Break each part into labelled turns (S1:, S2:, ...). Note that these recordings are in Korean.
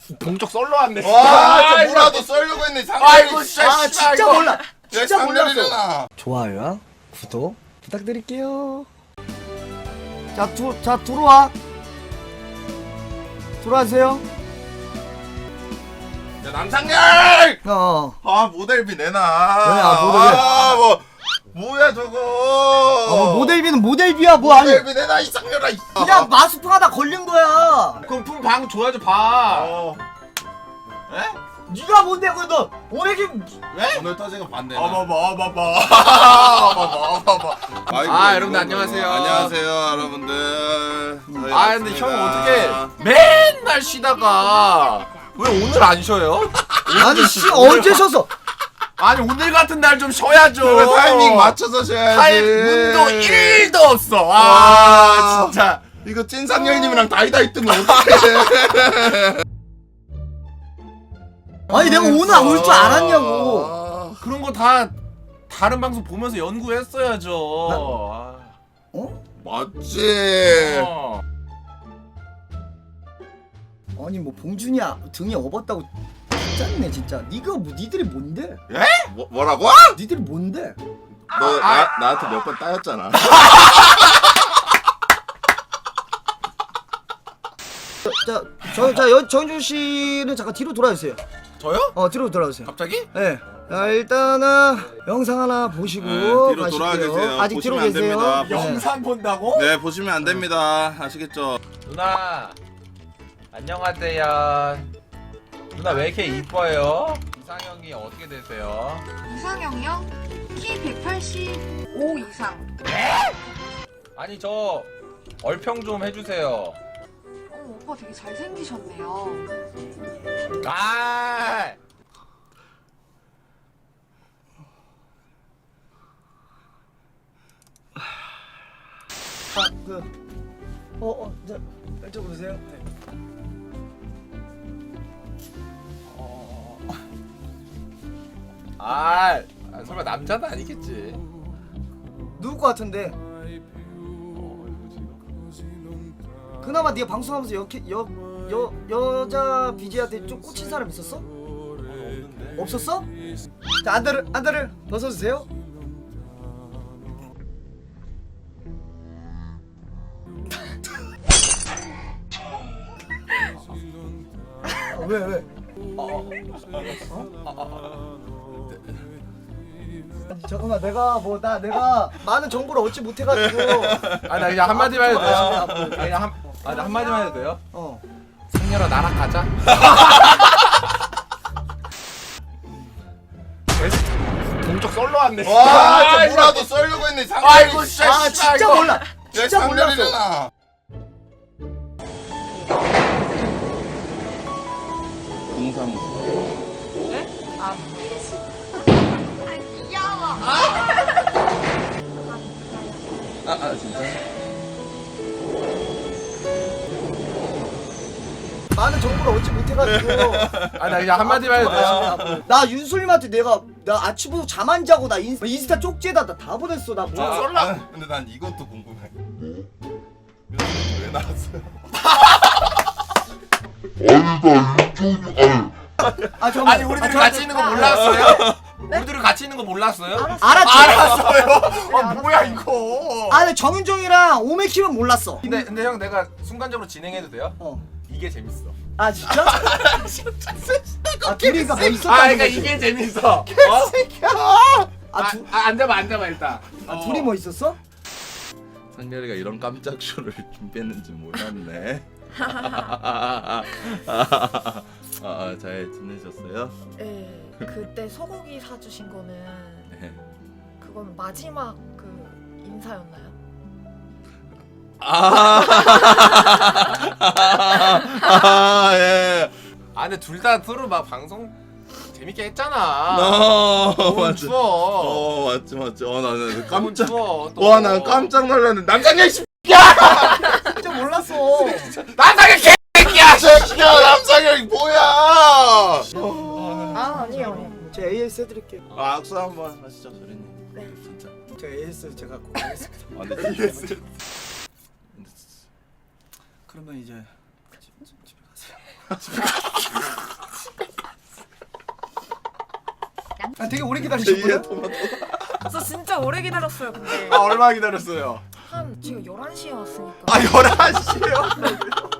S1: 동쪽 썰러 왔네.
S2: 와, 뭐라도 썰려고 했네.
S1: 아이고, 진짜
S3: 진짜
S1: 이거.
S3: 몰라. 진짜 몰랐어.
S2: 상렬이잖아.
S3: 좋아요와 구독 부탁드릴게요. 자 들어와. 들어와주세요.
S2: 야, 남상렬! 아, 모델비 내놔.
S3: 뭐야, 모델비?
S2: 뭐야 저거.
S3: 모델비는 모델비야 뭐 아니.
S2: 모델비 내놔, 이 상렬아.
S3: 그냥 마스풍하다 걸린 거야.
S1: 그럼 방 줘야죠, 방.
S2: 에?
S3: 네가 뭔데 그래도 오늘이
S2: 왜? 오늘 터지는 반대.
S1: 아, 여러분들 안녕하세요.
S2: 안녕하세요, 여러분들.
S1: 근데 형 어떻게 맨날 쉬다가 왜 오늘 안 쉬어요?
S3: 아니 씨 언제 쉬었어?
S1: 아니 오늘 같은 날 좀 쉬어야죠.
S2: 그래, 타이밍 맞춰서 쉬어야지.
S1: 문도 1도 없어.
S2: 와,
S1: 진짜.
S2: 이거 찐상렬님이랑 다이다이 뜨면 어떡해.
S3: 아니 내가 오늘 안 올 줄 알았냐고.
S1: 그런 거 다 다른 방송 보면서 연구했어야죠.
S3: 어?
S2: 맞지.
S3: 아니 뭐 봉준이 등이 업었다고 짜증내 진짜. 니가 뭐 니들이 뭔데?
S2: 예? 뭐라고?
S3: 니들이 뭔데?
S2: 너 나한테 몇 번 따였잖아.
S3: 정준 씨는 잠깐 뒤로 돌아주세요.
S1: 저요?
S3: 뒤로 돌아주세요.
S1: 갑자기?
S3: 네. 자 일단은 영상 하나 보시고
S2: 뒤로
S3: 가실게요.
S2: 돌아와 계세요.
S3: 아직 뒤로
S2: 보시면 안
S3: 계세요.
S2: 됩니다.
S3: 네.
S1: 영상 본다고?
S2: 네, 보시면 안 됩니다. 아시겠죠?
S1: 누나 안녕하세요. 누나 왜 이렇게 이뻐요? 이상형이 어떻게 되세요?
S4: 이상형이요? 키 185 이상.
S1: 아니 저 얼평 좀 해주세요.
S4: 오빠 되게 잘생기셨네요.
S1: 아
S3: 자, 이쪽 보세요.
S1: 설마 남자는 아니겠지?
S3: 누굴 것 같은데? 그나마 네가 방송하면서 여자 BJ한테 좀 꽂힌 사람 있었어?
S1: 없는데.
S3: 없었어? 자 안대를 벗어주세요. 왜? 잠깐만 내가 많은 정보를 얻지 못해가지고
S1: 나 그냥 한마디만 해도 돼요? 그냥 나 한마디만 해도 돼요? 상렬아 나랑 가자. 동쪽 썰러 왔네.
S2: 와, 뭐라도 썰려고 했네.
S1: 아이고 진짜.
S3: 진짜 몰라. 진짜 몰랐어.
S2: 상렬이잖아.
S4: 네? 아, 귀여워.
S2: 진짜?
S3: 많은 정보를 얻지 못해가지고
S1: 나 그냥 한마디만 해도 돼요?
S3: 나 윤솔님한테 나 아침부터 잠 안 자고 나 인스타 쪽지에다 다 보냈어. 나 뭐.
S2: 근데 난 이것도 궁금해. 왜 나왔어요?
S3: 잠깐만.
S1: 아니 우리들이 같이 있는 거 몰랐어요? 우리들이 같이 있는 거 몰랐어요?
S3: 알았지.
S1: 알았어요. 뭐야 이거?
S3: 근데 정윤종이랑 오메키는 몰랐어.
S1: 근데 형 내가 순간적으로 진행해도 돼요? 이게 재밌어.
S3: 진짜? 둘이가 뭐 있었다는
S1: 그러니까
S3: 거지?
S1: 이게 재밌어. 앉아봐 일단.
S3: 둘이 뭐 있었어?
S2: 상렬이가 이런 깜짝 쇼를 준비했는지 몰랐네. 잘 지내셨어요?
S5: 네, 그때 소고기 사주신 거는
S2: 네.
S5: 그건 마지막 그 인사였나요?
S2: 예.
S1: 근데 둘 다 서로 막 방송 재밌게 했잖아. 너무
S2: 맞지.
S1: 추워.
S2: 맞지. 나는
S1: 너무
S2: 깜짝.
S1: 추워. 또.
S2: 와, 난 깜짝 놀랐네. 남상렬 씨.
S3: 진짜 몰랐어.
S1: 남상의 개새끼야.
S2: 새끼야, 남상렬 뭐야?
S5: 아니에요.
S3: 제가 AS 해드릴게요.
S2: 악수 한번 하시죠, 소리님.
S5: 네.
S2: 진짜.
S3: 제가 AS 제가 꼭 하겠습니다.
S2: 근데 진짜.
S3: 그러면 이제 집에 가세요. 아 되게 오래 기다리셨구나.
S5: 저 진짜 오래 기다렸어요. 근데
S2: 아 얼마 기다렸어요?
S5: 한 제가 11시에 왔으니까.
S2: 아 11시요?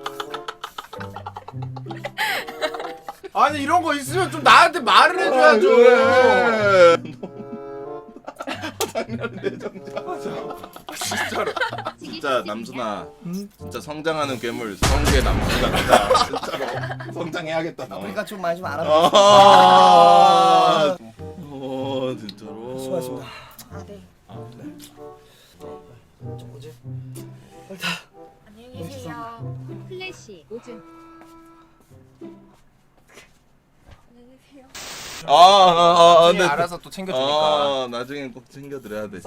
S1: 아니 이런 거 있으면 좀 나한테 말을 해줘야죠.
S2: 상렬 내정자. 진짜로. 진짜 남순아. 진짜 성장하는 괴물 성계 남순 같다. 진짜로 성장해야겠다. 너.
S3: 우리가 좀 많이 좀 알아보자.
S2: 아. 진짜로.
S3: 수고하셨습니다.
S5: 아 네.
S3: 저 뭐지?
S5: 안녕히 계세요.
S6: 플래시 오준
S1: 나중에
S2: 근데
S1: 알아서 또 챙겨주니까.
S2: 나중에 꼭 챙겨드려야 돼.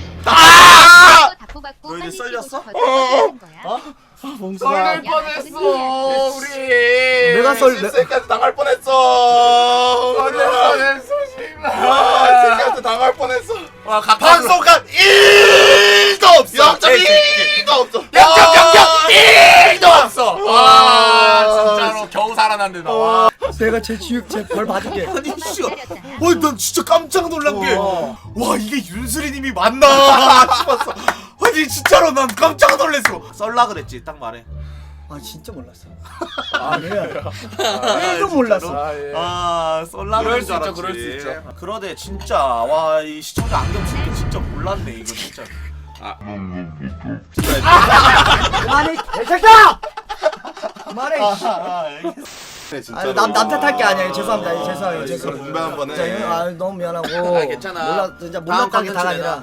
S6: 다 뽑았고
S2: 너 이제
S6: 빨리
S2: 썰렸어?
S6: 찍고 거야.
S1: 썰릴 뻔했어 우리.
S3: 내가
S2: 새끼한테 당할 뻔했어.
S1: 썰릴 뻔했어 씨발.
S2: 새끼한테 당할 뻔했어.
S1: 와
S2: 방송간 1도 없어. 0.1도 없어.
S1: 0.0.1도 없어. 와 진짜로 겨우 살아난데 나. 와.
S3: 내가 제 벌 받을게.
S2: 아니 씨가. 난 진짜 깜짝 놀란 게. 와 이게 윤수리님이 맞나 싶었어. 아니 진짜로 난 깜짝 놀랐어. 썰라 그랬지 딱 말해.
S3: 아 진짜 몰랐어. 아 그래. 1도 몰랐어.
S1: 아 예.
S2: 썰라
S1: 그럴
S2: 그럴
S1: 수
S2: 줄
S1: 있죠,
S2: 알았지.
S1: 그럴 수 있죠.
S2: 그러네 진짜. 와 이 시청자 안경 쓴 게 진짜 몰랐네 이거 진짜.
S3: 그만해 개새끼야! 그만해.
S2: 진짜로.
S3: 남 탓할 게 아니야. 죄송합니다. 죄송해요.
S2: 이거
S3: 죄송해요.
S2: 분배 한번 해.
S3: 진짜 너무 미안하고.
S2: 괜찮아.
S3: 몰라 진짜 몰랐다게 다 아니라.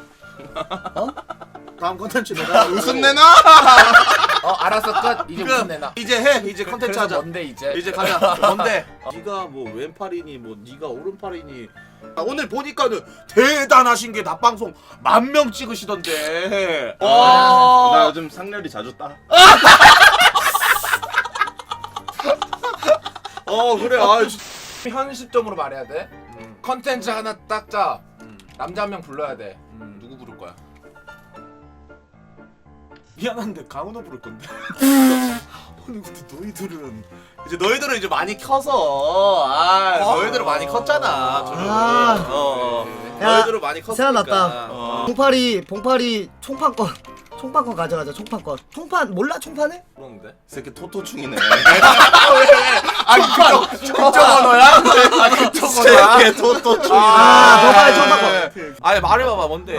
S2: 다음 컨텐츠 내가 웃음 내놔.
S1: 알았어 끝. 이제 무슨 내나.
S2: 이제 해. 이제 컨텐츠
S1: 그래서
S2: 하자.
S1: 뭔데 이제.
S2: 이제 가자. 뭔데? 네가 뭐 왼팔이니 뭐 네가 오른팔이니. 오늘 보니까는 대단하신 게 낮방송 10,000명 찍으시던데. 나 요즘 상렬이 자주 따. 그래.
S1: 현 시점으로 말해야 돼. 컨텐츠 하나 딱 짜. 남자 한 명 불러야 돼. 누구 부를 거야?
S2: 미안한데 강은호 부를 건데. 아니 근데 너희들은 이제 많이 켜서 너희들은 많이 컸잖아. 너희들은 많이 컸으니까.
S3: 생각났다. 봉파리 총판권 가져가자. 총판 몰라 총판을?
S1: 그런데.
S2: 새끼 토토충이네.
S1: 그쪽 언어야? 그쪽 언어야?
S2: 새끼 토토충이네.
S3: 봉파리 총판권.
S2: 아니 말해봐봐 뭔데?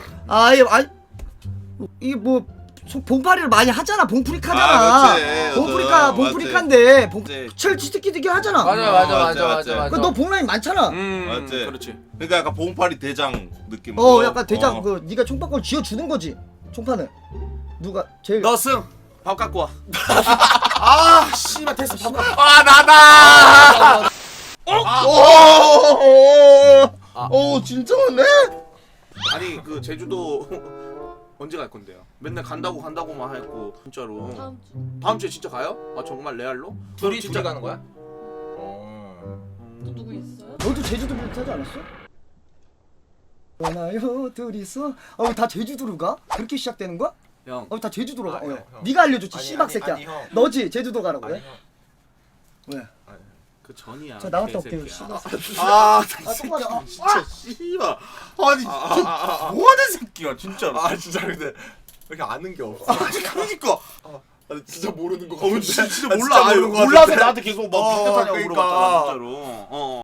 S3: 이게 뭐 봉파리를 많이 하잖아. 봉프리카잖아.
S2: 그렇지.
S3: 봉프리카인데
S2: 맞지.
S3: 제일 지들끼리 하잖아.
S1: 맞아.
S3: 너 봉라인 많잖아.
S2: 맞지.
S1: 그렇지.
S2: 그러니까 약간 봉파리 대장 느낌.
S3: 약간 대장 그 네가 총판권 쥐어 주는 거지. 총판을 누가 제일
S2: 너 승. 밥 갖고 와. 씨발 됐어. 밥 갖고.
S1: 나다.
S2: 진짜 왔네? 아니 그 제주도 언제 갈 건데요? 맨날 간다고만 했고 진짜로. 다음 주에 진짜 가요? 정말 레알로?
S1: 둘이
S2: 진짜
S1: 가는 거야?
S5: 또 누구 있어요?
S3: 너도 제주도 비슷하지 않았어? 원하요 둘이서 다 제주도로 가? 그렇게 시작되는 거야?
S2: 형.
S3: 다 제주도로 가.
S1: 형.
S3: 네가 알려줬지
S1: 아니,
S3: 씨박
S1: 아니,
S3: 새끼야.
S1: 아니, 형.
S3: 너지 제주도 가라고
S1: 아니,
S3: 그래? 왜?
S2: 그 전이야.
S3: 자 나갔다 올게요.
S2: 개새끼야.
S3: 씨발.
S2: 똑바로. 진짜 씨발. 아니 뭐하는 새끼야 진짜로.
S1: 진짜 근데 이렇게 아는 게 없어.
S2: 그러니까.
S1: 진짜 모르는 거
S2: 진짜 몰라. 몰라서 나한테 계속 막 비슷하냐고 물어봤잖아 진짜로.